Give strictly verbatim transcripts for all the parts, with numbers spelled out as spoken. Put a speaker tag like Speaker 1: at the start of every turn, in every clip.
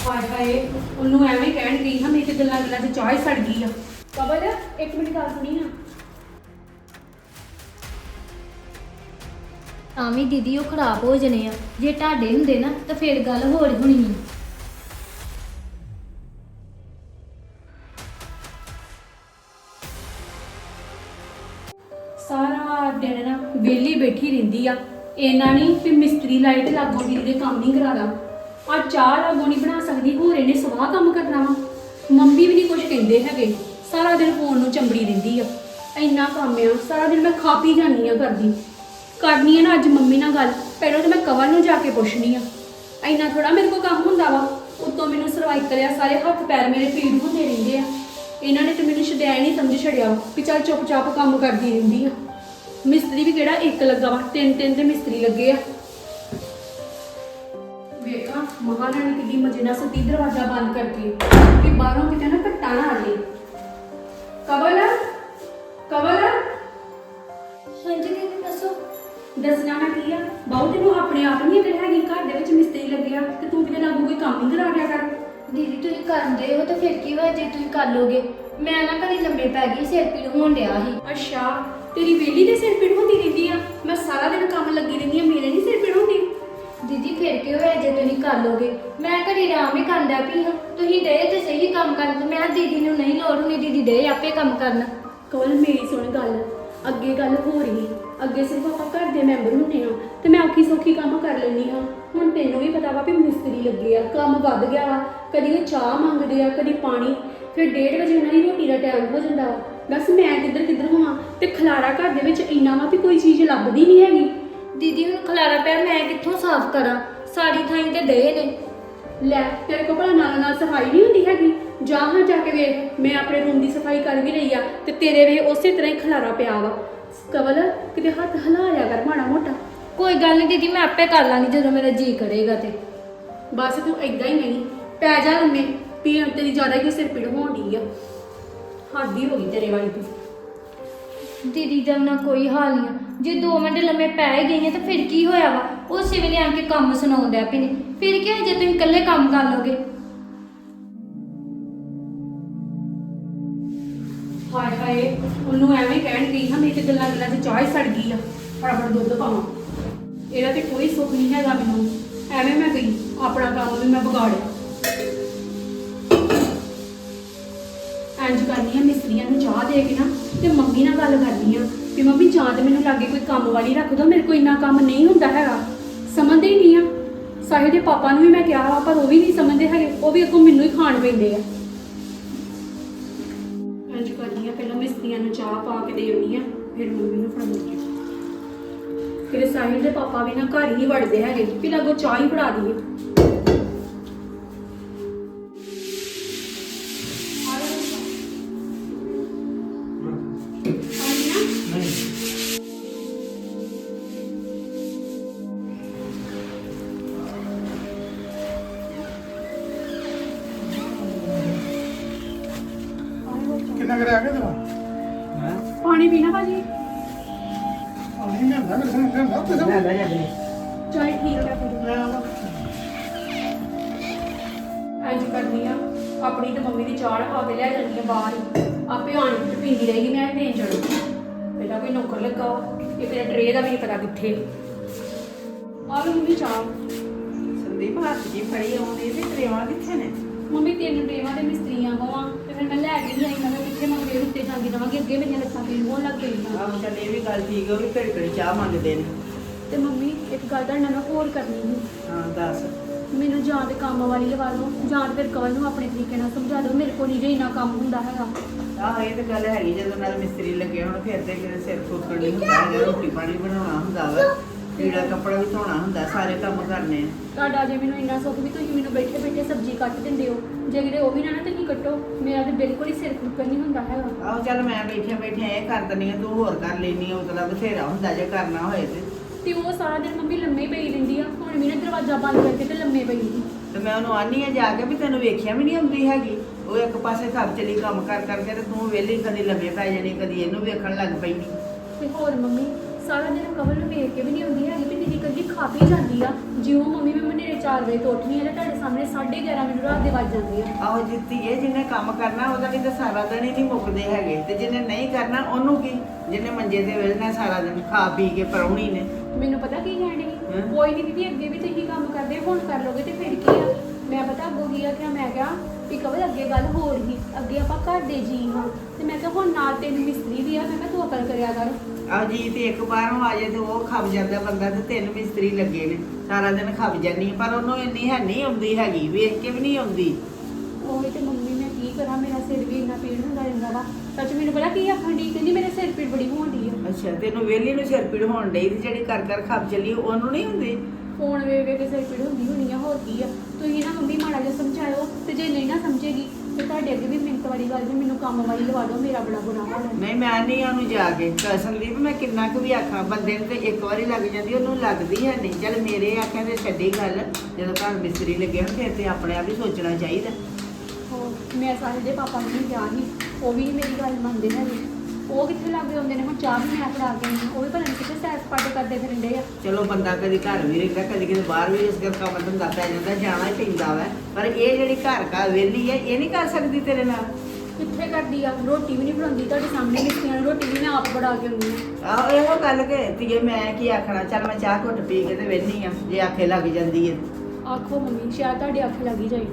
Speaker 1: ਹਾਏ ਹਾਏ ਉਹਨੂੰ ਐਵੇਂ ਕਹਿਣ ਗਈ ਹਾਂ, ਮੇਰੀ ਤੇ ਗੱਲਾਂ ਗੱਲਾਂ 'ਚ ਚਾਹ ਹੀ ਸੜ ਗਈ ਆ। ਕਬਲ ਇੱਕ ਮਿੰਟ ਗੱਲ ਸੁਣੀ ਨਾ।
Speaker 2: ਤਾਂ ਵੀ ਦੀਦੀ ਉਹ ਖਰਾਬ ਹੋ ਜਣੇ ਆ। ਜੇ ਤੁਹਾਡੇ ਹੁੰਦੇ ਨਾ ਤਾਂ ਫਿਰ ਗੱਲ ਹੋਰ ਹੋਣੀ ਸੀ।
Speaker 1: ਸਾਰਾ ਦਿਨ ਨਾ ਵਿਹਲੀ ਬੈਠੀ ਰਹਿੰਦੀ ਆ। ਇਹਨਾਂ ਨਹੀਂ ਵੀ ਮਿਸਤਰੀ ਲਾਈਟ ਲਾਗੋ ਦੀ ਦੇ ਕੰਮ ਨਹੀਂ ਕਰਾ ਲਾ। ਆ ਚਾਹ ਲਾਗੋ ਨਹੀਂ ਬਣਾ ਸਕਦੀ, ਹੋਰ ਇਹਨੇ ਸਵਾਹ ਕੰਮ ਕਰਨਾ ਵਾ। ਮੰਮੀ ਵੀ ਨਹੀਂ ਕੁਝ ਕਹਿੰਦੇ ਹੈਗੇ, ਸਾਰਾ ਦਿਨ ਫੋਨ ਨੂੰ ਚੰਬੜੀ ਰਹਿੰਦੀ ਆ। ਇੰਨਾ ਕੰਮ ਆ, ਸਾਰਾ ਦਿਨ ਮੈਂ ਖਾ ਪੀ ਜਾਂਦੀ ਆ ਕਰਦੀ ਕਰਨੀ ਆ ਨਾ ਅੱਜ ਮੰਮੀ ਨਾਲ ਗੱਲ। ਪਹਿਲਾਂ ਤਾਂ ਮੈਂ ਕਵਲ ਨੂੰ ਜਾ ਕੇ ਪੁੱਛਣੀ ਆ। ਇੰਨਾ ਥੋੜਾ ਮੇਰੇ ਕੋਲ ਕੰਮ ਹੁੰਦਾ ਵਾ। ਉੱਤੋਂ ਮੈਨੂੰ ਸਰਵਾਈਕਲ ਆ, ਸਾਰੇ ਹੱਥ ਪੈਰ ਮੇਰੇ ਪੀੜ ਹੁੰਦੇ ਰਹਿੰਦੇ ਆ। ਇਹਨਾਂ ਨੇ ਤੇ ਮੈਨੂੰ ਛਡਿਆ ਨਹੀਂ ਸਮਝ ਛੜਿਆ ਵੀ ਚੱਲ ਚੁੱਪ ਚਾਪ ਕੰਮ ਕਰਦੀ ਰਹਿੰਦੀ ਆ। ਮਿਸਤਰੀ ਵੀ ਕਿਹੜਾ ਇੱਕ ਲੱਗਾ ਵਾ, ਤਿੰਨ ਤਿੰਨ ਦੇ ਮਿਸਤਰੀ ਲੱਗੇ ਆ। ਵੇਖਾਂ ਮਹਾਰਾਣੀ ਕਿੱਡੀ ਮਜੇ ਨਾਲ ਸਤੀ ਦਰਵਾਜ਼ਾ ਬੰਦ ਕਰਕੇ ਕਿ ਬਾਹਰੋਂ ਕਿਤੇ ਨਾ ਘੱਟਾ ਨਾ ਆ ਜੇ। ਕਵਲ ਕਵਲ
Speaker 2: ਹਾਂਜੀ ਦੀਦੀ ਦੱਸੋ।
Speaker 1: ਦੱਸਣਾ ਮੈਂ ਕੀ ਆ, ਬਾਹੂ ਤੈਨੂੰ ਆਪਣੇ ਆਪ ਨਹੀਂ ਅਗਰ ਹੈਗੀ ਘਰ ਦੇ ਵਿੱਚ ਮਿਸਤਰੀ ਲੱਗਿਆ ਤੇ ਤੂੰ ਕਿਤੇ ਲਾਗੂ ਕੋਈ ਕੰਮ ਹੀ ਕਰਾ ਦਿਆ ਕਰ।
Speaker 2: ਦੀਦੀ ਤੁਸੀਂ ਕਰਦੇ ਹੋ ਤਾਂ ਫਿਰ ਕੀ ਹੋਇਆ ਜੇ ਤੁਸੀਂ ਕਰ ਲੋਗੇ। ਮੈਂ ਨਾ ਘਰੇ ਲੰਮੇ ਪੈ ਗਈ, ਸਿਰ ਪੀੜ ਹੋਣ ਡਿਆ ਸੀ।
Speaker 1: ਅੱਛਾ ਤੇਰੀ ਵੇਲੀ ਦੇ ਸਿਰ ਪੀੜ ਹੁੰਦੀ ਰਹਿੰਦੀ ਆ। ਮੈਂ ਸਾਰਾ ਦਿਨ ਕੰਮ ਲੱਗੀ ਰਹਿੰਦੀ ਆ, ਮੇਰੇ ਨਹੀਂ ਸਿਰ ਪੀੜ ਹੁੰਦੀ।
Speaker 2: ਦੀਦੀ ਫਿਰ ਕੀ ਹੋਇਆ ਜੇ ਤੁਸੀਂ ਕਰ ਲੋਗੇ। ਮੈਂ ਘਰੇ ਆਰਾਮ ਹੀ ਕਰਦਾ ਪਈ ਹਾਂ, ਤੁਸੀਂ ਦੇ ਤੇ ਸਹੀ ਕੰਮ ਕਰਨ। ਤੇ ਮੈਂ ਦੀਦੀ ਨੂੰ ਨਹੀਂ ਲੋੜ ਹੁੰਦੀ, ਦੀਦੀ ਦੇ ਆਪੇ ਕੰਮ ਕਰਨ।
Speaker 1: ਕਵਲ ਮੇਰੀ ਸੁਣ ਗੱਲ, ਅੱਗੇ ਗੱਲ ਹੋ ਰਹੀ। ਅੱਗੇ ਸਿਰਫ ਆਪਾਂ ਘਰ ਦੇ ਮੈਂਬਰ ਹੁੰਦੇ ਹਾਂ ਤੇ ਮੈਂ ਔਖੀ ਸੌਖੀ ਕੰਮ ਕਰ ਲੈਂਦੀ ਹਾਂ। ਹੁਣ ਤੈਨੂੰ ਵੀ ਪਤਾ ਵਾ ਵੀ ਮਿਸਤਰੀ ਲੱਗੇ ਆ, ਕੰਮ ਵੱਧ ਗਿਆ ਵਾ। ਕਦੀ ਉਹ ਚਾਹ ਮੰਗਦੇ ਆ, ਕਦੀ ਪਾਣੀ। ਫਿਰ ਡੇਢ ਵਜੇ ਉਹਨਾਂ ਦੀ ਰੋਟੀ ਦਾ ਟਾਈਮ ਹੋ ਜਾਂਦਾ ਵਾ। ਬਸ ਮੈਂ ਕਿੱਧਰ ਕਿੱਧਰ ਹੋਵਾਂ ਤੇ ਖਲਾਰਾ ਘਰ ਦੇ ਵਿੱਚ ਇੰਨਾ ਵਾ ਵੀ ਕੋਈ ਚੀਜ਼ ਲੱਭਦੀ ਨਹੀਂ ਹੈਗੀ।
Speaker 2: ਦੀਦੀ ਹੁਣ ਖਲਾਰਾ ਪਿਆ, ਮੈਂ ਕਿੱਥੋਂ ਸਾਫ਼ ਕਰਾਂ। ਸਾਰੀ ਥਾਂ ਤੇ ਡੇ ਨੇ।
Speaker 1: ਲੈ ਤੇਰੇ ਕੋਲ ਭਲਾ ਨਾਲ ਨਾਲ ਸਫਾਈ ਨਹੀਂ ਹੁੰਦੀ ਹੈਗੀ। ਜਾ ਹਾਂ ਜਾ ਕੇ ਵੇਖ, ਮੈਂ ਆਪਣੇ ਰੂਮ ਦੀ ਸਫਾਈ ਕਰ ਵੀ ਰਹੀ ਆ ਤੇ ਤੇਰੇ ਵੇ ਉਸੇ ਤਰ੍ਹਾਂ ਹੀ ਖਲਾਰਾ ਪਿਆ ਵਾ। ਕਵਲ ਕਿਤੇ ਹੱਥ ਹਿਲਾ ਲਿਆ ਕਰ ਮਾੜਾ ਮੋਟਾ।
Speaker 2: ਕੋਈ ਗੱਲ ਨਹੀਂ ਦੀਦੀ, ਮੈਂ ਆਪੇ ਕਰ ਲਾਂਗੀ ਜਦੋਂ ਮੇਰਾ ਜੀ ਕਰੇਗਾ ਤੇ।
Speaker 1: ਬਸ ਤੂੰ ਏਦਾਂ ਹੀ ਨਹੀਂ ਪੈ ਜਾ ਲੰਮੇ, ਪੀੜ ਤੇਰੀ ਜ਼ਿਆਦਾ ਹੀ ਸਿਰ ਪੀੜ ਹੋਣ ਡਈ ਆ। ਹੱਦ ਹੀ ਹੋ ਗਈ ਤੇਰੇ ਵਾਲੀ ਤੂੰ।
Speaker 2: ਦੀਦੀ ਦਾ ਨਾ ਕੋਈ ਹਾਲ ਨਹੀਂ ਆ। ਜੇ ਦੋ ਮਿੰਟ ਲੰਮੇ ਪੈ ਹੀ ਗਈਆਂ ਤਾਂ ਫਿਰ ਕੀ ਹੋਇਆ ਵਾ। ਉਸੇ ਵੇਲੇ ਆ ਕੇ ਕੰਮ ਸੁਣਾਉਣ ਡਿਆ ਪਏ ਨੇ। ਫਿਰ ਕੀ ਹੋਇਆ ਜੇ ਤੁਸੀਂ ਇਕੱਲੇ ਕੰਮ ਕਰ ਲੋਗੇ।
Speaker 1: ਹਾਏ ਹਾਏ ਉਹਨੂੰ ਐਵੇਂ ਕਹਿਣ ਗਈ ਹਾਂ, ਮੇਰੀ ਤੇ ਗੱਲਾਂ ਗੱਲਾਂ 'ਚ ਚਾਹ ਹੀ ਸੜ ਗਈ ਆ। ਫਟਾਫਟ ਦੁੱਧ ਪਾਵਾਂ। ਇਹਦਾ ਤੇ ਕੋਈ ਸੁੱਖ ਨਹੀਂ ਹੈਗਾ ਮੈਨੂੰ। ਐਵੇਂ ਮੈਂ ਗਈ, ਆਪਣਾ ਕੰਮ ਵੀ ਮੈਂ ਵਿਗਾੜਿਆ। ਇੰਝ ਕਰਨੀ ਆ, ਮਿਸਤਰੀਆਂ ਨੂੰ ਚਾਹ ਦੇ ਕੇ ਨਾ ਤੇ ਮੰਮੀ ਨਾਲ ਗੱਲ ਕਰਨੀ ਆ ਵੀ ਮੰਮੀ ਜਾਂ ਤੇ ਮੈਨੂੰ ਲਾਗੇ ਕੋਈ ਕੰਮ ਵਾਲੀ ਰੱਖ ਦੋ। ਮੇਰੇ ਕੋਲ ਇੰਨਾ ਕੰਮ ਨਹੀਂ ਹੁੰਦਾ ਹੈਗਾ। ਸਮਝਦੇ ਹੀ ਨਹੀਂ ਆ। ਸਾਹਿਲ ਦੇ ਪਾਪਾ ਨੂੰ ਵੀ ਮੈਂ ਕਿਹਾ ਵਾ ਪਰ ਉਹ ਵੀ ਨਹੀਂ ਸਮਝਦੇ ਹੈਗੇ। ਉਹ ਵੀ ਅੱਗੋਂ ਮੈਨੂੰ ਹੀ ਖਾਣ ਪੈਂਦੇ ਆ। ਇੰਝ ਕਰਨੀ ਆ, ਪਹਿਲਾਂ ਮਿਸਤਰੀਆਂ ਨੂੰ ਚਾਹ ਪਾ ਕੇ ਦੇ ਆਉਣੀ ਆ, ਫਿਰ ਮੰਮੀ ਨੂੰ ਫੜਾਉਣੀ ਆ। ਫਿਰ ਸਾਹਿਲ ਦੇ ਪਾਪਾ ਵੀ ਨਾ ਘਰ ਹੀ ਨਹੀਂ ਵੜਦੇ ਹੈਗੇ ਵੀ ਲਾਗੋ ਚਾਹ ਹੀ ਫੜਾ ਦਈਏ।
Speaker 3: ਕਿੰਨਾ ਕਰਿਆ ਕੇ ਤੇਰਾ
Speaker 1: ਪਾਣੀ ਪੀਣਾ ਭਾਜੀ?
Speaker 3: ਪਾਣੀ ਮੈਂ ਅੰਦਰ ਮੇਰੇ ਸਾਹਮਣੇ ਅੰਦਰ ਤੇ
Speaker 4: ਲੈ ਲੈ ਜਾ ਬਲੇ
Speaker 1: ਚਲ ਠੀਕ ਹੈ ਫਿਰ। ਇੰਝ ਕਰਨੀ ਆ, ਆਪਣੀ ਤੇ ਮੰਮੀ ਦੀ ਚਾਹ ਪਾ ਕੇ ਲੈ ਜਾਂਦੀ ਆ ਬਾਹਰ ਹੀ। ਆਪੇ ਆਣ ਕੇ ਪੀਂਦੀ ਰਹੇਗੀ, ਮੈਂ ਦੇਣ ਜਾਣਾ। ਪਹਿਲਾਂ ਕੋਈ ਨੌਕਰ ਲੱਗਾ ਵਾ, ਇਹ ਤੇਰੇ ਟਰੇ ਦਾ ਵੀ ਨਹੀਂ ਪਤਾ ਕਿੱਥੇ। ਆ ਲਓ ਮੰਮੀ ਚਾਹ।
Speaker 4: ਸੰਦੀਪ ਹੱਥ ਜੀ ਫੜੀ ਆਉਂਦੀ ਤੇ ਟਰੇਵਾਂ ਕਿੱਥੇ ਨੇ?
Speaker 1: ਮੰਮੀ ਤਿੰਨ ਟਰੇਵਾਂ ਦੇ ਮਿਸਤਰੀਆਂ ਕੋਵਾਂ ਤੇ ਫਿਰ ਮੈਂ ਲੈ ਕੇ ਨਹੀਂ ਆਈ। ਮੈਂ ਕਿਹਾ ਕਿੱਥੇ ਮੈਂ ਫੇਰ ਉੱਤੇ ਜਾਂਦੀ ਰਵਾਂਗੀ, ਅੱਗੇ ਮੇਰੀਆਂ ਲੱਤਾਂ ਪੀੜ ਹੋਣ ਲੱਗ ਗਈਆਂ।
Speaker 4: ਆਹ ਚੱਲ ਇਹ ਵੀ ਗੱਲ ਠੀਕ ਹੋ ਵੀ ਘੜੀ ਘੜੀ ਚਾਹ ਮੰਗਦੇ ਨੇ।
Speaker 1: ਤੇ ਮੰਮੀ ਇੱਕ ਗੱਲ ਤੁਹਾਡੇ ਨਾਲ ਮੈਂ ਹੋਰ ਕਰਨੀ ਸੀ।
Speaker 4: ਹਾਂ ਦੱਸ।
Speaker 1: ਮੈਨੂੰ ਜਾਂ ਤੇ ਕੰਮ ਵਾਲੀ ਲਵਾ ਲਓ ਜਾਂ ਫਿਰ ਕਵਲ ਨੂੰ ਆਪਣੇ ਤਰੀਕੇ ਨਾਲ ਸਮਝਾ ਦਿਓ। ਮੇਰੇ ਕੋਲ ਨਹੀਂ ਜੇ ਇੰਨਾ ਕੰਮ ਹੁੰਦਾ ਹੈਗਾ।
Speaker 4: ਆਹ ਇਹ ਤਾਂ ਗੱਲ ਹੈਗੀ, ਜਦੋਂ ਨਾਲ ਮਿਸਤਰੀ ਲੱਗੇ ਹੁਣ ਫਿਰ ਤੇ ਕਿਤੇ ਸਿਰ ਫੁੱਕਣ ਨਹੀਂ ਹੁੰਦਾ, ਜਾਂ ਰੋਟੀ ਪਾਣੀ ਬਣਾਉਣਾ ਹੁੰਦਾ ਵਾ, ਕੀੜਾ ਕੱਪੜਾ ਵੀ ਧੋਣਾ ਹੁੰਦਾ, ਸਾਰੇ ਕੰਮ ਕਰਨੇ ਆ।
Speaker 1: ਤੁਹਾਡਾ ਜੇ ਮੈਨੂੰ ਇੰਨਾ ਸੁੱਖ ਵੀ ਤੁਸੀਂ ਮੈਨੂੰ ਬੈਠੇ ਬੈਠੇ ਸਬਜ਼ੀ ਕੱਟ ਦਿੰਦੇ ਹੋ। ਜੇ ਕਿਤੇ ਉਹ ਵੀ ਨਾ ਨਾ ਤੁਸੀਂ ਕੱਟੋ, ਮੇਰਾ ਤੇ ਬਿਲਕੁਲ ਹੀ ਸਿਰ ਫੁੱਕਣ ਨਹੀਂ ਹੁੰਦਾ ਹੈਗਾ।
Speaker 4: ਆਹੋ ਚੱਲ ਮੈਂ ਬੈਠਿਆ ਬੈਠਿਆ ਇਹ ਕਰ ਦਿੰਦੀ ਆ, ਤੂੰ ਹੋਰ ਕਰ ਲੈਣੀ ਆ। ਮਤਲਬ ਬਥੇਰਾ ਹੁੰਦਾ ਜੇ ਕਰਨਾ ਹੋਏ ਤੇ।
Speaker 1: ਤੇ ਉਹ ਸਾਰਾ ਦਿਨ ਮੰਮੀ ਲੰਮੇ ਹੀ ਪਈ ਰਹਿੰਦੀ ਆ। ਹੁਣ ਵੀ ਨਾ ਦਰਵਾਜ਼ਾ ਬੰਦ ਕਰਕੇ ਤੇ ਲੰਮੇ ਪਈ ਸੀ।
Speaker 4: ਤੇ ਮੈਂ ਉਹਨੂੰ ਆਨੀ ਆ ਜਾ ਕੇ ਵੀ ਤੈਨੂੰ ਵੇਖਿਆ ਵੀ ਨਹੀਂ ਆਉਂਦੀ ਹੈਗੀ। ਉਹ ਇੱਕ ਪਾਸੇ ਖੱਪ ਚਲੀ ਕੰਮ ਕਰ ਕਰਕੇ ਤੇ ਤੂੰ ਵਿਹਲੀ ਕਦੀ ਲੰਮੇ ਪੈ ਜਾਣੀ, ਕਦੀ ਇਹਨੂੰ ਵੇਖਣ ਲੱਗ ਪੈਂਦੀ।
Speaker 1: ਤੇ ਹੋਰ ਮੰਮੀ ਸਾਰਾ ਦਿਨ ਕਵਲ ਨੂੰ ਵੇਖ ਕੇ ਵੀ ਨਹੀਂ ਆਉਂਦੀ ਹੈਗੀ ਵੀ ਦੀਦੀ ਕੱਲੀ ਖਾ ਪੀ ਜਾਂਦੀ ਆ। ਜਿਉਂ ਮੰਮੀ ਮੈਂ ਮਨੇਰੇ ਚਾਰ ਵਜੇ ਤੋਂ ਉੱਠਣੀ ਹੈ ਤੇ ਤੁਹਾਡੇ ਸਾਹਮਣੇ ਸਾਢੇ ਗਿਆਰਾਂ ਮੈਨੂੰ ਰਾਤ ਦੇ ਵੱਜ ਜਾਂਦੇ ਆ।
Speaker 4: ਆਹੋ ਜਿੱਤੀ ਹੈ ਜਿਹਨੇ ਕੰਮ ਕਰਨਾ ਉਹਦਾ ਵੀ ਤਾਂ ਸਾਰਾ ਦਿਨ ਹੀ ਨਹੀਂ ਮੁੱਕਦੇ ਹੈਗੇ, ਤੇ ਜਿਹਨੇ ਨਹੀਂ ਕਰਨਾ ਉਹਨੂੰ ਕੀ, ਜਿਹਨੇ ਮੰਜੇ ਤੇ ਵੇਲਣਾ ਸਾਰਾ ਦਿਨ ਖਾ ਪੀ ਕੇ ਪਰੌਣੀ ਨੇ।
Speaker 1: ਮੈਨੂੰ ਪਤਾ ਕੀ ਕਹਿਣ ਡਈ
Speaker 4: ਹੈਂ?
Speaker 1: ਕੋਈ ਨਹੀਂ ਦੀਦੀ, ਅੱਗੇ ਵੀ ਤੁਸੀਂ ਕੰਮ ਕਰਦੇ ਹੁਣ ਕਰ ਲੋਗੇ ਤੇ ਫਿਰ ਕੀ ਆ। ਮੈਂ ਪਤਾ ਅੱਗੋਂ ਕੀ ਆ ਕਿ ਮੈਂ ਕਿਹਾ ਵੀ ਕਵਲ ਅੱਗੇ ਗੱਲ ਹੋਰ ਹੀ, ਅੱਗੇ ਆਪਾਂ ਘਰ ਦੇ ਜੀ ਹਾਂ ਤੇ ਮੈਂ ਕਿਹਾ ਹੁਣ ਨਾਲ ਤਿੰਨ ਮਿਸਤਰੀ ਵੀ ਆ, ਮੈਂ ਕਿਹਾ ਤੂੰ ਅਕਲ ਕਰਿਆ ਕਰ।
Speaker 4: ਆਹ ਜੀ ਤੇ ਇੱਕ ਬਾਹਰੋਂ ਆ ਜਾਏ ਤੇ ਉਹ ਖੱਪ ਜਾਂਦਾ ਬੰਦਾ, ਤੇ ਤਿੰਨ ਮਿਸਤਰੀ ਲੱਗੇ ਨੇ ਸਾਰਾ ਦਿਨ ਖੱਪ ਜਾਨੀ, ਪਰ ਉਹਨੂੰ ਇੰਨੀ ਹੈ ਨਹੀਂ ਆਉਂਦੀ ਹੈਗੀ, ਵੇਖ ਕੇ ਵੀ ਨਹੀਂ ਆਉਂਦੀ।
Speaker 1: ਉਹੀ ਤੇ ਮੰਮੀ ਮੈਂ ਕੀ ਕਰਾਂ, ਮੇਰਾ ਸਿਰ ਵੀ ਇੰਨਾ ਪੀੜ ਹੁੰਦਾ ਰਹਿੰਦਾ ਵਾ। ਸੱਚ ਮੈਨੂੰ ਪਤਾ ਕੀ ਆਖਣ ਡਈ, ਕਹਿੰਦੀ ਮੇਰੇ ਸਿਰ ਪੀੜ ਬੜੀ ਹੋਣਦੀ ਆ।
Speaker 4: ਅੱਛਾ ਤੈਨੂੰ ਵਿਹਲੀ ਨੂੰ ਸਿਰ ਪੀੜ ਹੋਣ ਡਈ, ਤੇ ਜਿਹੜੀ ਕਰ ਕਰ ਖੱਪ ਚੱਲੀ ਉਹਨੂੰ ਨਹੀਂ ਹੁੰਦੀ।
Speaker 1: ਫੋਨ ਵੇ ਵੇ ਕੇ ਸਿਰ ਪੀੜ ਹੁੰਦੀ ਹੋਣੀ ਆ, ਹੋਰ ਕੀ ਆ। ਤੁਸੀਂ ਨਾ ਮੰਮੀ ਮਾੜਾ ਜਿਹਾ ਸਮਝਾਇਓ, ਤੇ ਜੇ ਨਹੀਂ ਨਾ ਸਮਝੇਗੀ ਤੇ ਤੁਹਾਡੇ ਅੱਗੇ ਵੀ ਮਿੰਟ ਵਾਲੀ ਗੱਲ ਵੀ ਮੈਨੂੰ ਕੰਮ ਵਾਲੀ ਲਵਾ ਦਿਓ, ਮੇਰਾ ਬੜਾ ਬੁਰਾ ਹਾਲ ਹੈ।
Speaker 4: ਨਹੀਂ ਮੈਂ ਨਹੀਂ ਉਹਨੂੰ ਜਾ ਕੇ ਸੰਦੀਪ, ਮੈਂ ਕਿੰਨਾ ਕੁ ਵੀ ਆਖਾਂ, ਬੰਦੇ ਨੂੰ ਤੇ ਇੱਕ ਵਾਰੀ ਲੱਗ ਜਾਂਦੀ, ਉਹਨੂੰ ਲੱਗਦੀ ਹੈ ਨਹੀਂ। ਚੱਲ ਮੇਰੇ ਆਖਿਆ ਤੇ ਛੱਡੀ ਗੱਲ, ਜਦੋਂ ਘਰ ਮਿਸਤਰੀ ਲੱਗੇ ਹੋਣ ਫਿਰ ਤੇ ਆਪਣੇ ਆਪ ਹੀ ਸੋਚਣਾ ਚਾਹੀਦਾ।
Speaker 1: ਹੋਰ ਮੈਂ ਸਾਹਿਲ ਦੇ ਪਾਪਾ ਨੂੰ ਵੀ ਕਿਹਾ ਸੀ, ਉਹ ਵੀ ਨੀ ਮੇਰੀ ਗੱਲ ਮੰਨਦੇ ਹੈਗੇ। ਉਹ ਕਿੱਥੇ ਲੱਗੇ ਹੁੰਦੇ ਨੇ, ਹੁਣ ਚਾਹ ਵੀ ਮੈਂ ਫੜਾ ਕੇ ਆਈ ਹਾਂ, ਉਹ ਵੀ ਪਤਾ ਨਹੀਂ ਕਿੱਥੇ ਸੈਰ ਸਪਾਟੇ ਕਰਦੇ ਫਿਰਦੇ ਆ।
Speaker 4: ਚਲੋ ਬੰਦਾ ਕਦੀ ਘਰ ਵੀ ਰਹਿੰਦਾ, ਕਦੀ ਕਿਤੇ ਬਾਹਰ ਵੀ ਇਸ ਗੱਲ ਕੰਮ ਧੰਦਾ ਪੈ ਜਾਂਦਾ, ਜਾਣਾ ਹੀ ਪੈਂਦਾ ਵਾ। ਪਰ ਇਹ ਜਿਹੜੀ ਘਰ ਘਰ ਵਿਹਲੀ ਹੈ, ਇਹ ਨਹੀਂ ਕਰ ਸਕਦੀ ਤੇਰੇ ਨਾਲ।
Speaker 1: ਕਿੱਥੇ ਕਰਦੀ ਆ, ਰੋਟੀ ਵੀ ਨਹੀਂ ਬਣਾਉਂਦੀ, ਤੁਹਾਡੇ ਸਾਹਮਣੇ ਮਿਸਤਰੀਆਂ ਨੂੰ ਰੋਟੀ ਵੀ ਮੈਂ ਆਪ ਬਣਾ ਕੇ ਆਉਂਦੀ ਹਾਂ।
Speaker 4: ਆਹੋ ਇਹੋ ਗੱਲ ਕਿ ਧੀਏ ਮੈਂ ਕੀ ਆਖਣਾ, ਚੱਲ ਮੈਂ ਚਾਹ ਘੁੱਟ ਪੀ ਕੇ ਤੇ ਵਿਹਲੀ ਆ, ਜੇ ਆਖੇ ਲੱਗ ਜਾਂਦੀ ਹੈ।
Speaker 1: ਆਖੋ ਮੰਮੀ, ਸ਼ਾਇਦ ਤੁਹਾਡੇ ਅੱਖ ਲੱਗੀ ਜਾਏ।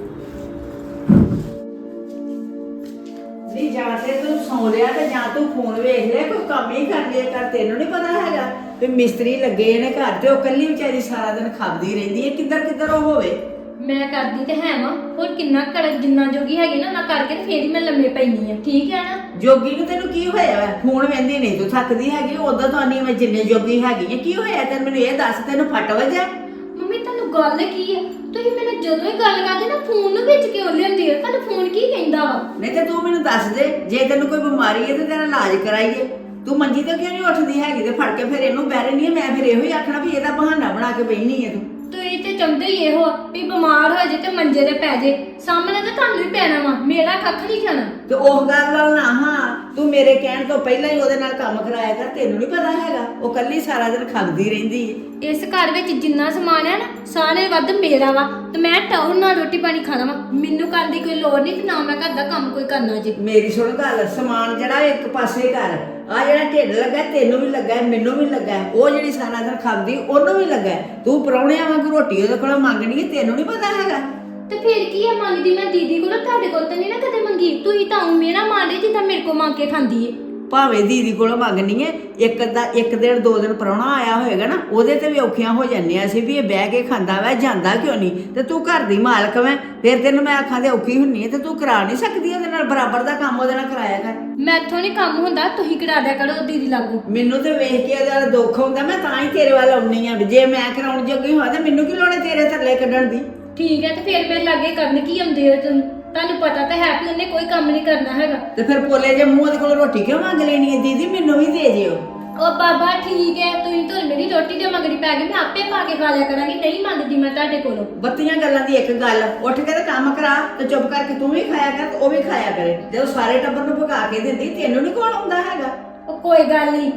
Speaker 4: ਨਹੀਂ ਜਾਂ ਤੇ ਤੂੰ ਸੌਂ ਲਿਆ ਤੇ ਜਾਂ ਤੂੰ ਫੋਨ ਵੇਖ ਲਿਆ, ਕੋਈ ਕੰਮ ਹੀ ਕਰ ਲਿਆ ਕਰ। ਤੈਨੂੰ ਨਹੀਂ ਪਤਾ ਹੈਗਾ ਵੀ ਮਿਸਤਰੀ ਲੱਗੇ ਨੇ ਘਰ, ਤੇ ਉਹ ਕੱਲੀ ਵਿਚਾਰੀ ਸਾਰਾ ਦਿਨ ਖਾਂਦੀ ਰਹਿੰਦੀ ਹੈ, ਕਿੱਧਰ ਕਿੱਧਰ ਉਹ ਹੋਵੇ।
Speaker 2: ਮੈਂ ਕਰਦੀ ਤੇ ਹੈ ਵਾਂ, ਹੋਰ ਕਿੰਨਾ ਕਰ ਜਿੰਨਾ ਜੋਗੀ ਹੈਗੀ ਨਾ, ਨਾ ਕਰਕੇ ਤੇ ਫੇਰ ਹੀ ਮੈਂ ਲੰਮੇ ਪੈਣੀ ਆ, ਠੀਕ ਹੈ ਨਾ।
Speaker 4: ਜੋਗੀ ਨੂੰ ਤੈਨੂੰ ਕੀ ਹੋਇਆ? ਫੋਨ ਵੇਂਦੀ ਨਹੀਂ ਤੂੰ ਥੱਕਦੀ ਹੈਗੀ, ਉਦੋਂ ਤਾਂ ਨਹੀਂ ਮੈਂ ਜਿੰਨੇ ਜੋਗੀ ਹੈਗੀ ਹੈ। ਕੀ ਹੋਇਆ ਤੈਨੂੰ, ਮੈਨੂੰ ਇਹ ਦੱਸ, ਤੈਨੂੰ ਫਟ ਵਜਾ?
Speaker 2: ਮੰਮੀ ਤੁਹਾਨੂੰ ਗੱਲ ਕੀ ਹੈ, ਤੁਸੀਂ ਮੈਨੂੰ ਜਦੋਂ ਹੀ ਗੱਲ ਕਰਦੇ ਨਾ ਫੋਨ ਨੂੰ ਵਿੱਚ ਕਿਉਂ ਲਿਆਉਂਦੇ ਹੋ? ਤੁਹਾਨੂੰ ਫੋਨ ਕੀ ਕਹਿੰਦਾ ਵਾ?
Speaker 4: ਨਹੀਂ ਤੇ ਤੂੰ ਮੈਨੂੰ ਦੱਸ ਦੇ, ਜੇ ਤੈਨੂੰ ਕੋਈ ਬਿਮਾਰੀ ਹੈ ਤੇ ਤੇਰਾ ਇਲਾਜ ਕਰਾਈਏ। ਤੂੰ ਮੰਜੀ ਤੇ ਕਿਉਂ ਨਹੀਂ ਉੱਠਦੀ ਹੈਗੀ, ਤੇ ਫੜ ਕੇ ਫਿਰ ਇਹਨੂੰ ਬਹਿ ਰਹਿੰਦੀ ਹੈ। ਮੈਂ ਫਿਰ ਇਹੋ ਹੀ ਆਖਣਾ ਵੀ ਇਹਦਾ ਬਹਾਨਾ ਬਣਾ ਕੇ ਬੈਠੀ ਹੈ ਤੂੰ।
Speaker 2: ਤੁਸੀਂ ਤੇ ਚਾਹੁੰਦੇ ਹੀ ਇਹੋ ਵੀ ਬਿਮਾਰ ਹੋ ਜੇ ਤੇ ਮੰਜੇ ਤੇ ਪੈ ਜੇ, ਸਾਹਮਣੇ ਤਾਂ ਤੁਹਾਨੂੰ ਹੀ ਪੈਣਾ ਵਾ, ਮੇਰਾ ਕੱਖ ਨਹੀਂ ਖਾਣਾ।
Speaker 4: ਤੇ ਉਹ ਗੱਲ ਨਾਲ ਨਾ ਹਾਂ, ਤੂੰ ਮੇਰੇ ਕਹਿਣ ਤੋਂ ਪਹਿਲਾਂ ਹੀ ਉਹਦੇ ਨਾਲ ਕੰਮ ਕਰਾਇਆ ਕਰ। ਤੈਨੂੰ ਨਹੀਂ ਪਤਾ ਹੈਗਾ, ਉਹ ਕੱਲੀ ਸਾਰਾ ਦਿਨ ਖਾਂਦੀ ਰਹਿੰਦੀ ਹੈ।
Speaker 2: ਇਸ ਘਰ ਵਿੱਚ ਜਿੰਨਾ ਸਮਾਨ ਹੈ ਨਾ, ਸਾਰੇ ਵੱਧ ਮੇਰਾ ਵਾ, ਤੇ ਮੈਂ ਟਾਉਨ ਨਾਲ ਰੋਟੀ ਪਾਣੀ ਖਾਣਾ ਵਾ, ਮੈਨੂੰ ਕਰਨ ਦੀ ਕੋਈ ਲੋੜ ਨਹੀਂ, ਤੇ ਨਾ ਮੈਂ ਘਰ ਦਾ ਕੰਮ ਕੋਈ ਕਰਨਾ ਜੀ।
Speaker 4: ਮੇਰੀ ਸੁਣ ਗੱਲ, ਸਮਾਨ ਜਿਹੜਾ ਇੱਕ ਪਾਸੇ ਕਰ, ਆ ਜਿਹੜਾ ਢਿੱਡ ਲੱਗਾ ਤੈਨੂੰ ਵੀ ਲੱਗਾ, ਮੈਨੂੰ ਵੀ ਲੱਗਾ, ਉਹ ਜਿਹੜੀ ਸਾਰਾ ਦਿਨ ਖਾਂਦੀ ਉਹਨੂੰ ਵੀ ਲੱਗਾ। ਤੂੰ ਪਰੌਣਿਆਂ ਵਾਂਗ ਰੋਟੀ ਉਹਦੇ ਕੋਲੋਂ ਮੰਗਣੀ ਹੈ, ਤੈਨੂੰ ਨਹੀਂ ਪਤਾ ਹੈਗਾ।
Speaker 2: ਤੇ ਫਿਰ ਕੀ ਹੈ, ਮੰਗਦੀ ਮੈਂ ਦੀਦੀ ਕੋਲੋਂ, ਤੁਹਾਡੇ ਕੋਲ ਤਾਂ ਨਹੀਂ ਨਾ ਕਦੇ ਮੰਗੀ। ਤੁਸੀਂ ਤਾਂ ਮੇਰਾ ਮਾਂਡੇ ਜਿੱਦਾਂ ਮੇਰੇ ਕੋਲ ਮੰਗ ਕੇ ਖਾਂਦੀ ਏ।
Speaker 4: ਭਾਵੇਂ ਦੀਦੀ ਕੋਲੋਂ ਮੰਗਣੀ ਹੈ, ਇੱਕ ਦਾ ਇੱਕ ਦਿਨ ਦੋ ਦਿਨ ਪ੍ਰਾਹੁਣਾ ਆਇਆ ਹੋਏਗਾ ਨਾ, ਉਹਦੇ ਤੇ ਵੀ ਔਖੀਆਂ ਹੋ ਜਾਂਦੀਆਂ ਸੀ ਵੀ ਇਹ ਬਹਿ ਕੇ ਖਾਂਦਾ ਵਾ, ਜਾਂਦਾ ਕਿਉਂ ਨਹੀਂ। ਤੇ ਤੂੰ ਘਰ ਦੀ ਮਾਲਕ ਵੈਂ, ਫਿਰ ਤੈਨੂੰ ਮੈਂ ਆਖਾਂ ਤੇ ਔਖੀ ਹੁੰਨੀ ਹੈ, ਤੇ ਤੂੰ ਕਰਾ ਨਹੀਂ ਸਕਦੀ ਉਹਦੇ ਨਾਲ ਬਰਾਬਰ ਦਾ ਕੰਮ, ਉਹਦੇ ਨਾਲ ਕਰਾਇਆ ਕਰ।
Speaker 2: ਮੈਥੋਂ ਨਹੀਂ ਕੰਮ ਹੁੰਦਾ, ਤੁਸੀਂ ਕਰਾ ਦਿਆ ਕਰੋ ਦੀਦੀ ਲਾਗੂ।
Speaker 4: ਮੈਨੂੰ ਤੇ ਵੇਖ ਕੇ ਉਹਦਾ ਦੁੱਖ ਹੁੰਦਾ, ਮੈਂ ਤਾਂ ਹੀ ਤੇਰੇ ਵੱਲ ਆਉਣੀ ਆ। ਜੇ ਮੈਂ ਕਰਾਉਣ ਜੋਗੀ ਹੋਇਆ ਤੇ ਮੈਨੂੰ ਕੀ ਲੋੜ ਹੈ ਤੇਰੇ ਥੱਲੇ ਕੱਢਣ ਦੀ।
Speaker 2: ਠੀਕ ਹੈ, ਤੇ ਫਿਰ ਮੇਰੇ ਲਾਗੇ ਕਰਨ ਕੀ ਆਉਂਦੇ ਹੋ ਤੁਸੀਂ? ਤੁਹਾਨੂੰ ਪਤਾ ਤਾਂ ਹੈ ਵੀ ਉਹਨੇ ਕੋਈ ਕੰਮ ਨਹੀਂ ਕਰਨਾ ਹੈਗਾ।
Speaker 4: ਤੇ ਫਿਰ ਪੋਲੇ ਜੇ ਮੂੰਹ ਉਹਦੇ ਕੋਲ ਰੋਟੀ ਕਿਉਂ ਮੰਗ ਲੈਣੀ ਹੈ? ਦੀਦੀ ਮੈਨੂੰ ਵੀ ਦੇ ਜਿਓ।
Speaker 2: ਉਹ ਬਾਬਾ ਠੀਕ ਹੈ, ਤੁਸੀਂ ਤਾਂ ਮੇਰੀ ਰੋਟੀ ਦੇ ਮਗਰੀ ਪੈ ਗਏ, ਮੈਂ ਆਪੇ ਪਾ ਕੇ ਖਾ ਲਿਆ ਕਰਾਂਗੀ, ਨਹੀਂ ਮੰਗਦੀ ਮੈਂ ਤੁਹਾਡੇ ਕੋਲੋਂ।
Speaker 4: ਬੱਤੀਆਂ ਗੱਲਾਂ ਦੀ ਇੱਕ ਗੱਲ, ਉੱਠ ਕੇ ਤੇ ਕੰਮ ਕਰਾ, ਤੇ ਚੁੱਪ ਕਰਕੇ ਤੂੰ ਵੀ ਖਾਇਆ ਕਰ ਤੇ ਉਹ ਵੀ ਖਾਇਆ ਕਰੇ। ਜਦੋਂ ਸਾਰੇ ਟੱਬਰ ਨੂੰ ਪਕਾ ਕੇ ਦਿੰਦੀ, ਤੈਨੂੰ ਨਹੀਂ ਕੋਲ ਆਉਂਦਾ ਹੈਗਾ।
Speaker 2: ਉਹ ਕੋਈ ਗੱਲ ਨਹੀਂ,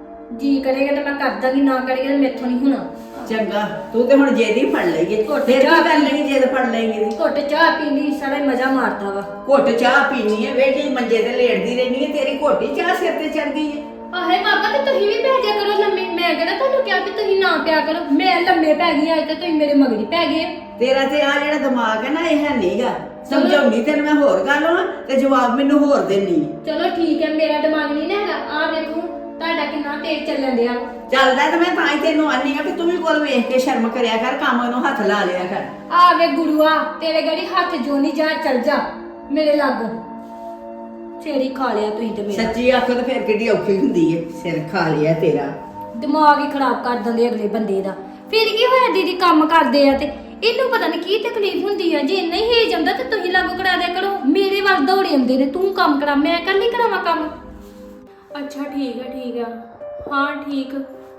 Speaker 2: ਜੀ ਕਰੇਗਾ ਤਾਂ ਮੈਂ ਕਰ ਦਾਂਗੀ, ਨਾ ਕਰੇਗਾ ਤਾਂ ਮੈਥੋਂ ਨਹੀਂ ਹੋਣਾ।
Speaker 4: ਚੰਗਾ, ਤੂੰ ਤੇ ਹੁਣ ਜੇਦ ਹੀ ਫੜ ਲਈਏ। ਫਿਰ ਕੀ ਕਰ ਲੇਗੀ ਜੇਦ ਫੜ ਲਏਗੀ?
Speaker 2: ਘੁੱਟ ਚਾਹ ਪੀਂਦੀ ਸਾਰਾ ਮਜ਼ਾ ਮਾਰਦਾ ਵਾ।
Speaker 4: ਘੁੱਟ ਚਾਹ ਪੀਣੀ ਹੈ, ਵੇਖੀ ਮੰਜੇ ਤੇ ਲੇਟਦੀ ਰਹਿਣੀ ਹੈ, ਤੇਰੀ ਘੋਟੀ ਚਾਹ ਸਿਰ ਤੇ ਚੜ ਗਈ ਹੈ।
Speaker 2: ਆਹੇ ਬਾਬਾ, ਤੇ ਤੁਸੀਂ ਵੀ ਪੈ ਜਾ ਕਰੋ ਲੰਮੇ। ਮੈਂ ਕਿਹੜਾ ਤੁਹਾਨੂੰ ਕਿਹਾ ਕਿ ਤੁਸੀਂ ਨਾ ਪਿਆ ਕਰੋ, ਮੈਂ ਲੰਮੇ ਪੈ ਗਈ ਅੱਜ ਤੇ ਤੁਸੀਂ ਮੇਰੇ ਮਗਰੀ ਪੈ ਗਏ।
Speaker 4: ਤੇਰਾ ਤੇ ਆ ਜਿਹੜਾ ਦਿਮਾਗ ਹੈ ਨਾ, ਇਹ ਹੈ ਨਹੀਂਗਾ। ਸਮਝਾਉਣੀ ਤੈਨੂੰ ਮੈਂ ਹੋਰ ਗੱਲ ਹਾਂ, ਤੇ ਜਵਾਬ ਮੈਨੂੰ ਹੋਰ ਦੇਣੀ।
Speaker 2: ਚਲੋ ਠੀਕ ਹੈ, ਮੇਰਾ ਦਿਮਾਗ ਨਹੀਂ ਨਾ ਹੈਗਾ। ਆ ਵੇਖੋ ਤੁਹਾਡਾ ਕਿੰਨਾ ਤੇਜ਼ ਚੱਲਣ ਡਿਆ।
Speaker 4: ਚੱਲਦਾ ਤੇ ਮੈਂ ਤਾਂ ਹੀ ਤੈਨੂੰ ਆਨੀ ਆ ਕਿ ਤੂੰ ਵੀ ਕੋਲ ਵੇਖ ਕੇ ਸ਼ਰਮ ਕਰਿਆ ਕਰ, ਕੰਮ ਨੂੰ ਹੱਥ ਲਾ ਲਿਆ ਕਰ।
Speaker 2: ਆ ਵੇ ਗੁਰੂਆ, ਤੇਰੇ ਗੜੀ ਹੱਥ ਜੋ ਨਹੀਂ ਜਾ, ਚੱਲ ਜਾ ਮੇਰੇ ਲਾਗੋਂ। ਛੇੜੀ ਖਾ ਲਿਆ ਤੁਸੀਂ ਤੇ ਮੇਰਾ।
Speaker 4: ਸੱਚੀ ਆਖੋ ਤਾਂ ਫਿਰ ਕਿੱਡੀ ਔਖੀ ਹੁੰਦੀ ਏ, ਸਿਰ ਖਾ ਲਿਆ ਤੇਰਾ।
Speaker 2: ਦਿਮਾਗ ਹੀ ਖਰਾਬ ਕਰ ਦਿੰਦੇ ਅਗਲੇ ਬੰਦੇ ਦਾ। ਫਿਰ ਕੀ ਹੋਇਆ, ਦੀਦੀ ਕੰਮ ਕਰਦੇ ਆ ਤੇ ਇਹਨੂੰ ਪਤਾ ਨਹੀਂ ਕੀ ਤਕਲੀਫ ਹੁੰਦੀ ਆ। ਜੇ ਨਹੀਂ ਹੇਜ ਆਉਂਦਾ ਤੇ ਤੁਸੀਂ ਲਾਗੂ ਕਰਾ ਦਿਆ ਕਰੋ। ਮੇਰੇ ਵੱਲ ਦੌੜੇ ਆਉਂਦੇ ਨੇ, ਤੂੰ ਕੰਮ ਕਰਾ, ਮੈਂ ਕੱਲੀ ਕਰਾਵਾਂ ਕੰਮ।
Speaker 1: ਅੱਛਾ ਠੀਕ ਹੈ ਠੀਕ ਹੈ, ਹਾਂ ਠੀਕ।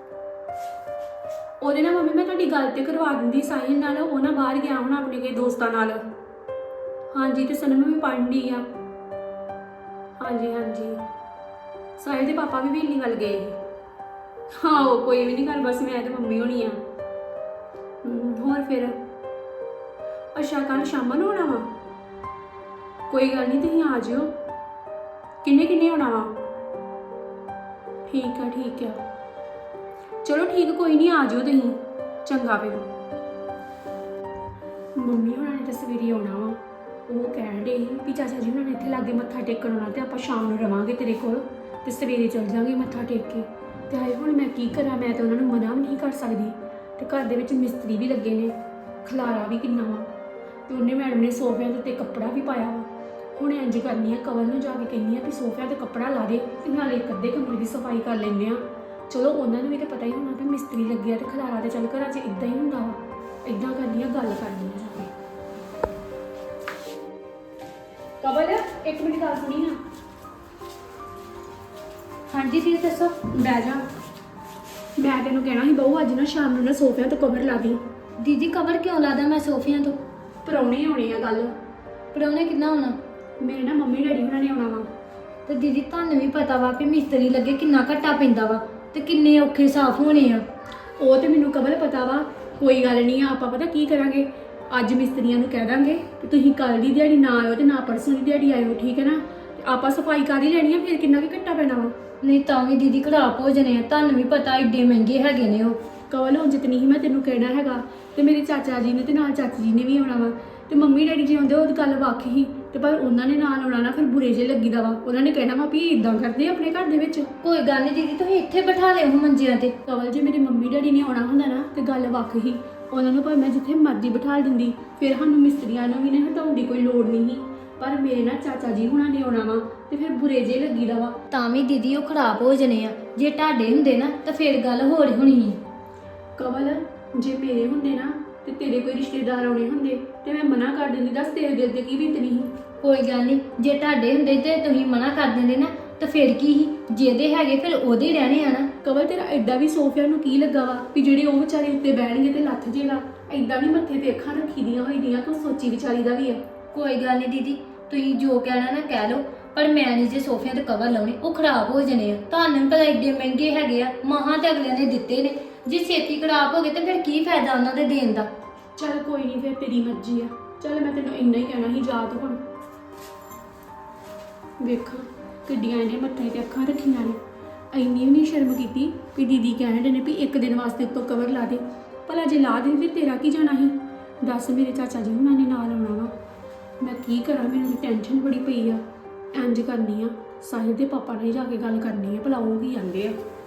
Speaker 1: ਉਹਦੇ ਨਾਲ ਮੰਮੀ ਮੈਂ ਤੁਹਾਡੀ ਗੱਲ ਤੇ ਕਰਵਾ ਦਿੰਦੀ ਸਾਹਿਲ ਨਾਲ, ਉਹ ਨਾ ਬਾਹਰ ਗਿਆ ਹੁਣ ਆਪਣੇ ਕੇ ਦੋਸਤਾਂ ਨਾਲ। ਹਾਂਜੀ, ਤੇ ਸਨਮ ਵੀ ਪੜ੍ਹਨ ਡਈ ਆ। ਹਾਂਜੀ ਹਾਂਜੀ, ਸਾਹਿਲ ਦੇ ਪਾਪਾ ਵੀ ਵੇਲੀ ਵੱਲ ਗਏ ਸੀ। ਹਾਂ ਉਹ ਕੋਈ ਵੀ ਨਹੀਂ ਗੱਲ, ਬਸ ਮੈਂ ਤੇ ਮੰਮੀ ਹੋਣੀ ਆ। ਹੋਰ ਫਿਰ ਅੱਛਾ ਕੱਲ ਸ਼ਾਮਾਂ ਨੂੰ ਆਉਣਾ ਵਾ ਕੋਈ ਗੱਲ ਨਹੀਂ ਤੁਸੀਂ ਆ ਜਿਓ ਕਿੰਨੇ ਕਿੰਨੇ ਆਉਣਾ ਵਾ ਠੀਕ ਆ ਠੀਕ ਆ ਚਲੋ ਠੀਕ ਕੋਈ ਨਹੀਂ ਆ ਜਿਓ ਤੁਸੀਂ ਚੰਗਾ ਫਿਰ ਮੰਮੀ ਹੁਣਾਂ ਨੇ ਤਾਂ ਸਵੇਰੇ ਆਉਣਾ ਵਾ ਉਹ ਕਹਿਣ ਡੇ ਵੀ ਚਾਚਾ ਜੀ ਹੁਣਾਂ ਨੇ ਇੱਥੇ ਲਾਗੇ ਮੱਥਾ ਟੇਕਣ ਆਉਣਾ ਤੇ ਆਪਾਂ ਸ਼ਾਮ ਨੂੰ ਰਵਾਂਗੇ ਤੇਰੇ ਕੋਲ ਤੇ ਸਵੇਰੇ ਚੱਲ ਜਾਾਂਗੇ ਮੱਥਾ ਟੇਕ ਕੇ ਤੇ ਹਾਏ ਹੁਣ ਮੈਂ ਕੀ ਕਰਾਂ ਮੈਂ ਤਾਂ ਉਹਨਾਂ ਨੂੰ ਮਨਾ ਵੀ ਨਹੀਂ ਕਰ ਸਕਦੀ ਤੇ ਘਰ ਦੇ ਵਿੱਚ ਮਿਸਤਰੀ ਵੀ ਲੱਗੇ ਨੇ ਖਲਾਰਾ ਵੀ ਕਿੰਨਾ ਵਾ ਤੇ ਉਹਨੇ ਮੈਡਮ ਨੇ ਸੋਫਿਆਂ ਦੇ ਉੱਤੇ ਕੱਪੜਾ ਵੀ ਪਾਇਆ ਵਾ ਹੁਣ ਇੰਜ ਕਰਨੀ ਆ ਕਵਲ ਨੂੰ ਜਾ ਕੇ ਕਹਿੰਦੀ ਆ ਵੀ ਸੋਫਿਆਂ ਤੇ ਕੱਪੜਾ ਲਾ ਦੇ ਤੇ ਨਾਲੇ ਇੱਕ ਅੱਧੇ ਕਮਰੇ ਦੀ ਸਫਾਈ ਕਰ ਲੈਂਦੇ ਆ ਚਲੋ ਉਹਨਾਂ ਨੂੰ ਵੀ ਤਾਂ ਪਤਾ ਹੀ ਹੋਣਾ ਕਿ ਮਿਸਤਰੀ ਲੱਗਿਆ ਤੇ ਖਲਾਰਾ ਤੇ ਚੱਲ ਘਰਾਂ 'ਚ ਇਦਾਂ ਹੀ ਹੁੰਦਾ ਵਾ ਇਦਾਂ ਕਰਨੀ ਆ ਗੱਲ ਕਰਨੀ ਆ ਜਾ ਕੇ ਕਵਲ ਇੱਕ ਮਿੰਟ ਗੱਲ ਸੁਣੀ ਨਾ
Speaker 2: ਹਾਂਜੀ ਦੀਦੀ ਦੱਸੋ।
Speaker 1: ਬਹਿ ਜਾ ਮੈਂ ਤੈਨੂੰ ਕਹਿਣਾ ਸੀ ਬਹੂ ਅੱਜ ਨਾ ਸ਼ਾਮ ਨੂੰ ਨਾ ਸੋਫਿਆਂ ਤੇ ਕਵਰ ਲਾ ਦੀ
Speaker 2: ਦੀਦੀ ਕਵਰ ਕਿਉਂ ਲਾਦਾ ਮੈਂ ਸੋਫਿਆਂ ਤੋਂ?
Speaker 1: ਪਰੌਣੇ ਆਉਣੇ ਆ ਗੱਲ
Speaker 2: ਪਰੌਣੇ ਕਿੰਨਾ ਹੋਣਾ?
Speaker 1: ਮੇਰੇ ਨਾ ਮੰਮੀ ਡੈਡੀ ਹੁਣਾਂ ਨੇ ਆਉਣਾ ਵਾ
Speaker 2: ਤੇ ਦੀਦੀ ਤੁਹਾਨੂੰ ਵੀ ਪਤਾ ਵਾ ਕਿ ਮਿਸਤਰੀ ਲੱਗੇ ਕਿੰਨਾ ਘੱਟਾ ਪੈਂਦਾ ਵਾ ਤੇ ਕਿੰਨੇ ਔਖੇ ਸਾਫ਼ ਹੋਣੇ ਆ।
Speaker 1: ਉਹ ਤੇ ਮੈਨੂੰ ਕਵਲ ਪਤਾ ਵਾ ਕੋਈ ਗੱਲ ਨਹੀਂ ਆ ਆਪਾਂ ਪਤਾ ਕੀ ਕਰਾਂਗੇ ਅੱਜ ਮਿਸਤਰੀਆਂ ਨੂੰ ਕਹਿ ਦਾਂਗੇ ਕਿ ਤੁਸੀਂ ਕੱਲ ਦੀ ਦਿਹਾੜੀ ਨਾ ਆਇਓ ਤੇ ਨਾ ਪਰਸੋਂ ਦੀ ਦਿਹਾੜੀ ਆਇਓ ਠੀਕ ਹੈ ਨਾ ਤੇ ਆਪਾਂ ਸਫਾਈ ਕਰ ਹੀ ਲੈਣੀ ਆ ਫਿਰ ਕਿੰਨਾ ਕੁ ਘੱਟਾ ਪੈਣਾ ਵਾ
Speaker 2: ਨਹੀਂ ਤਾਂ ਵੀ ਦੀਦੀ ਖਰਾਬ ਹੋ ਜਣੇ ਆ ਤੁਹਾਨੂੰ ਵੀ ਪਤਾ ਏਡੇ ਮਹਿੰਗੇ ਹੈਗੇ ਨੇ ਉਹ।
Speaker 1: ਕਵਲ ਹੁਣ ਜਿਤਨੀ ਹੀ ਮੈਂ ਤੈਨੂੰ ਕਹਿਣਾ ਹੈਗਾ ਤੇ ਮੇਰੇ ਚਾਚਾ ਜੀ ਨੇ ਤੇ ਨਾਲ ਚਾਚੀ ਜੀ ਨੇ ਵੀ ਆਉਣਾ ਵਾ ਤੇ ਮੰਮੀ ਡੈਡੀ ਜੀ ਆਉਂਦੇ ਉਹ ਗੱਲ ਵੱਖ ਹੀ ਤੇ ਪਰ ਉਹਨਾਂ ਨੇ ਨਾਲ ਆਉਣਾ ਨਾ ਫਿਰ ਬੁਰੇ ਜੇ ਲੱਗੀਦਾ ਵਾ ਉਹਨਾਂ ਨੇ ਕਹਿਣਾ ਵਾ ਵੀ ਇਦਾਂ ਕਰਦੇ ਆਪਣੇ ਘਰ ਦੇ ਵਿੱਚ
Speaker 2: ਕੋਈ ਗੱਲ ਨਹੀਂ ਦੀਦੀ ਤੁਸੀਂ ਇੱਥੇ ਬਿਠਾ ਲਿਓ ਮੰਜਿਆਂ ਤੇ।
Speaker 1: ਕਵਲ ਜੇ ਮੇਰੇ ਮੰਮੀ ਡੈਡੀ ਨੇ ਆਉਣਾ ਹੁੰਦਾ ਨਾ ਤੇ ਗੱਲ ਵੱਖ ਹੀ ਉਹਨਾਂ ਨੂੰ ਭਾਵੇਂ ਮੈਂ ਜਿੱਥੇ ਮਰਜ਼ੀ ਬਿਠਾ ਦਿੰਦੀ ਫਿਰ ਸਾਨੂੰ ਮਿਸਤਰੀਆਂ ਨੂੰ ਵੀ ਨਾ ਹਟਾਉਣ ਦੀ ਕੋਈ ਲੋੜ ਨਹੀਂ ਸੀ ਪਰ ਮੇਰੇ ਨਾ ਚਾਚਾ ਜੀ ਹੁਣਾਂ ਨੇ ਆਉਣਾ ਵਾ ਤੇ ਫਿਰ ਬੁਰੇ ਜੇ ਲੱਗੀਦਾ ਵਾ
Speaker 2: ਤਾਂ ਵੀ ਦੀਦੀ ਉਹ ਖਰਾਬ ਹੋ ਜਣੇ ਆ ਜੇ ਤੁਹਾਡੇ ਹੁੰਦੇ ਨਾ ਤਾਂ ਫਿਰ ਗੱਲ ਹੋਰ ਹੋਣੀ ਹੈ।
Speaker 1: ਕਵਲ ਜੇ ਮੇਰੇ ਹੁੰਦੇ ਨਾ ਤੇ ਤੇਰੇ ਕੋਈ ਰਿਸ਼ਤੇਦਾਰ ਆਉਣੇ ਹੁੰਦੇ ਤੇ ਮੈਂ ਮਨਾ ਕਰ ਦਿੰਦੀ ਦੱਸ ਤੇਰੇ ਦਿਲ ਤੇ ਕੀ ਬੀਤਣੀ ਸੀ।
Speaker 2: ਕੋਈ ਗੱਲ ਨਹੀਂ ਜੇ ਤੁਹਾਡੇ ਹੁੰਦੇ ਤੇ ਤੁਸੀਂ ਮਨਾ ਕਰ ਦਿੰਦੇ ਨਾ ਤਾਂ ਫਿਰ ਕੀ ਸੀ ਜਿਹਦੇ ਹੈਗੇ ਫਿਰ ਉਹਦੇ ਰਹਿਣੇ ਆ ਨਾ।
Speaker 1: ਕਵਲ ਤੇਰਾ ਐਡਾ ਵੀ ਸੋਫਿਆਂ ਨੂੰ ਕੀ ਲੱਗਾ ਵਾ ਵੀ ਜਿਹੜੇ ਉਹ ਵਿਚਾਰੇ ਉੱਤੇ ਬਹਿਣਗੇ ਤੇ ਲੱਥ ਜੇਗਾ ਐਡਾ ਵੀ ਮੱਥੇ ਤੇ ਅੱਖਾਂ ਰੱਖੀ ਦੀਆਂ ਹੋਈ ਦੀਆਂ ਕਿ ਸੋਚੀ ਵਿਚਾਰੀ ਦਾ ਵੀ ਆ।
Speaker 2: ਕੋਈ ਗੱਲ ਨਹੀਂ ਦੀਦੀ ਤੁਸੀਂ ਜੋ ਕਹਿਣਾ ਨਾ ਕਹਿ ਲਓ ਪਰ ਮੈਂ ਨਹੀਂ ਜੇ ਸੋਫਿਆਂ ਤੇ ਕਵਰ ਲਾਉਣੇ ਉਹ ਖਰਾਬ ਹੋ ਜਣੇ ਆ। ਤੁਹਾਨੂੰ ਵੀ ਪਤਾ ਏਡੇ ਮਹਿੰਗੇ ਹੈਗੇ ਆ ਮਹਾਂ ਤੇ ਅਗਲਿਆਂ ਨੇ ਦਿੱਤੇ ਨੇ ਜੇ ਛੇਤੀ ਖਰਾਬ ਹੋ ਗਏ ਤਾਂ ਫਿਰ ਕੀ ਫਾਇਦਾ ਉਹਨਾਂ ਦੇ ਦੇਣ ਦਾ।
Speaker 1: ਚੱਲ ਕੋਈ ਨਹੀਂ ਫਿਰ ਤੇਰੀ ਮਰਜ਼ੀ ਆ ਚੱਲ ਮੈਂ ਤੈਨੂੰ ਇੰਨਾ ਹੀ ਕਹਿਣਾ ਸੀ ਯਾਦ ਹੁਣ ਵੇਖਾਂ ਕਿੱਡੀਆਂ ਇਹਨੇ ਮੱਥੇ ਤੇ ਅੱਖਾਂ ਰੱਖੀਆਂ ਨੇ ਇੰਨੀ ਵੀ ਨਹੀਂ ਸ਼ਰਮ ਕੀਤੀ ਵੀ ਦੀਦੀ ਕਹਿਣ ਨੇ ਵੀ ਇੱਕ ਦਿਨ ਵਾਸਤੇ ਉੱਤੋਂ ਕਵਰ ਲਾ ਦੇ ਭਲਾ ਜੇ ਲਾ ਦੇ ਫਿਰ ਤੇਰਾ ਕੀ ਜਾਣਾ ਸੀ ਦੱਸ ਮੇਰੇ ਚਾਚਾ ਜੀ ਹੁਣਾਂ ਨੇ ਨਾਲ ਆਉਣਾ ਵਾ ਮੈਂ ਕੀ ਕਰਾਂ ਮੈਨੂੰ ਟੈਨਸ਼ਨ ਬੜੀ ਪਈ ਆ ਇੰਜ ਕਰਨੀ ਆ ਸਾਹਿਲ ਦੇ ਪਾਪਾ ਨਾਲ ਜਾ ਕੇ ਗੱਲ ਕਰਨੀ ਆ ਭਲਾ ਉਹ ਕੀ ਕਹਿੰਦੇ ਆ।